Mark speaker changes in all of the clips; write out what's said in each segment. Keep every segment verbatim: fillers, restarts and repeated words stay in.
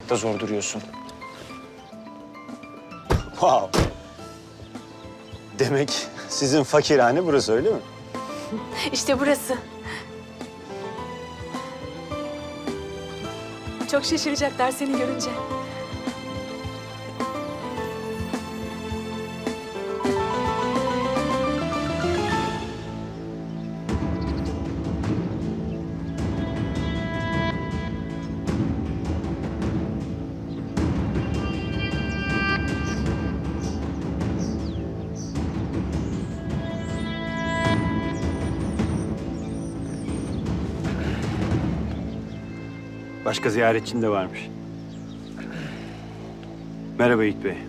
Speaker 1: bulmakta zor duruyorsun.
Speaker 2: Wow. Demek sizin fakirhane burası, öyle mi?
Speaker 3: İşte burası. Çok şaşıracaklar seni görünce.
Speaker 2: Başka ziyaretçin de varmış. Merhaba Yiğit Bey.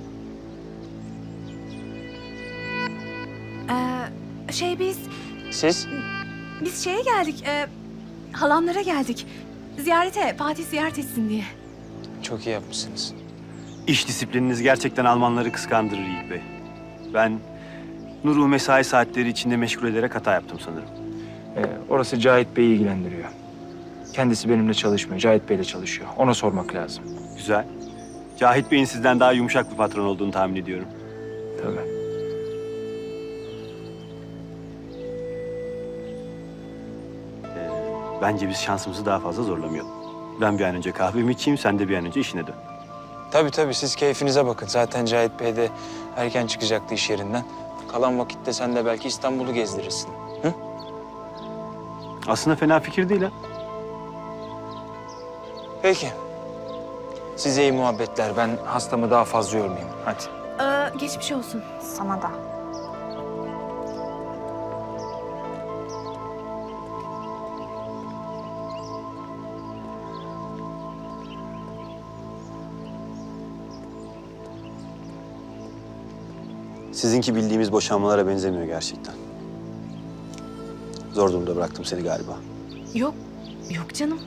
Speaker 3: Ee, şey biz,
Speaker 1: Siz?
Speaker 3: biz şeye geldik. E, halamlara geldik. Ziyarete, Fatih ziyaret etsin diye.
Speaker 1: Çok iyi yapmışsınız.
Speaker 2: İş disiplininiz gerçekten Almanları kıskandırır Yiğit Bey. Ben Nur'u mesai saatleri içinde meşgul ederek hata yaptım sanırım.
Speaker 1: Ee, orası Cahit Bey'i ilgilendiriyor. Kendisi benimle çalışmıyor, Cahit Bey'le çalışıyor. Ona sormak lazım.
Speaker 2: Güzel. Cahit Bey'in sizden daha yumuşak bir patron olduğunu tahmin ediyorum.
Speaker 1: Tabii.
Speaker 2: Ee, bence biz şansımızı daha fazla zorlamayalım. Ben bir an önce kahvemi içeyim, sen de bir an önce işine dön.
Speaker 1: Tabii tabii, siz keyfinize bakın. Zaten Cahit Bey de erken çıkacaktı iş yerinden. Kalan vakitte sen de belki İstanbul'u gezdirirsin. Hı?
Speaker 2: Aslında fena fikir değil ha.
Speaker 1: Peki. Size iyi muhabbetler. Ben hastamı daha fazla yormayayım. Hadi.
Speaker 3: Ee, geçmiş olsun.
Speaker 4: Sana da.
Speaker 2: Sizinki bildiğimiz boşanmalara benzemiyor gerçekten. Zor durumda bıraktım seni galiba.
Speaker 3: Yok, yok canım.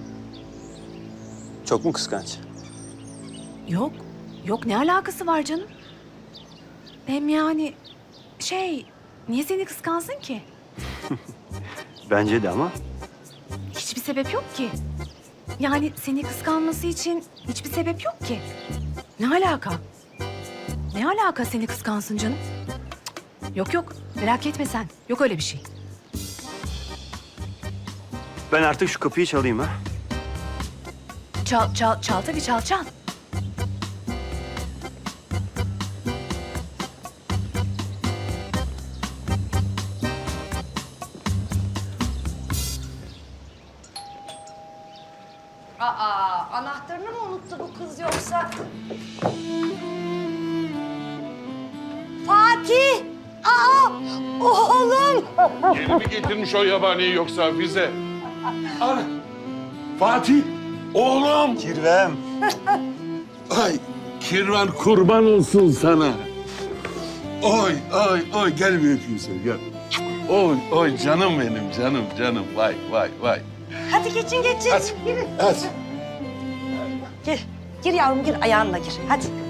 Speaker 2: Çok mu kıskanç?
Speaker 3: Yok, yok ne alakası var canım? Hem yani şey, niye seni kıskansın ki?
Speaker 2: Bence de ama
Speaker 3: Hiçbir sebep yok ki. Yani seni kıskanması için hiçbir sebep yok ki. Ne alaka? Ne alaka seni kıskansın canım? Cık, Yok yok, merak etme sen. Yok öyle bir şey.
Speaker 2: ben artık şu kapıyı çalayım ha.
Speaker 3: Çal, çal, çal tabii çal, çal.
Speaker 4: Aa, anahtarını mı unuttu bu kız yoksa? Fatih! Aa, oğlum!
Speaker 5: Yeni mi getirmiş o yabaniyi yoksa bize? Ana! Fatih! Oğlum!
Speaker 2: Kirvem.
Speaker 5: Ay! Kirvan kurban olsun sana. Oy, oy, oy. Gel bir öpeyim seni, gel. Oy, oy canım benim, canım, canım. Vay, vay, vay.
Speaker 4: Hadi geçin geçin.
Speaker 5: Hadi,
Speaker 4: Girin.
Speaker 5: hadi.
Speaker 4: Gir. Gir yavrum gir ayağınla gir. Hadi.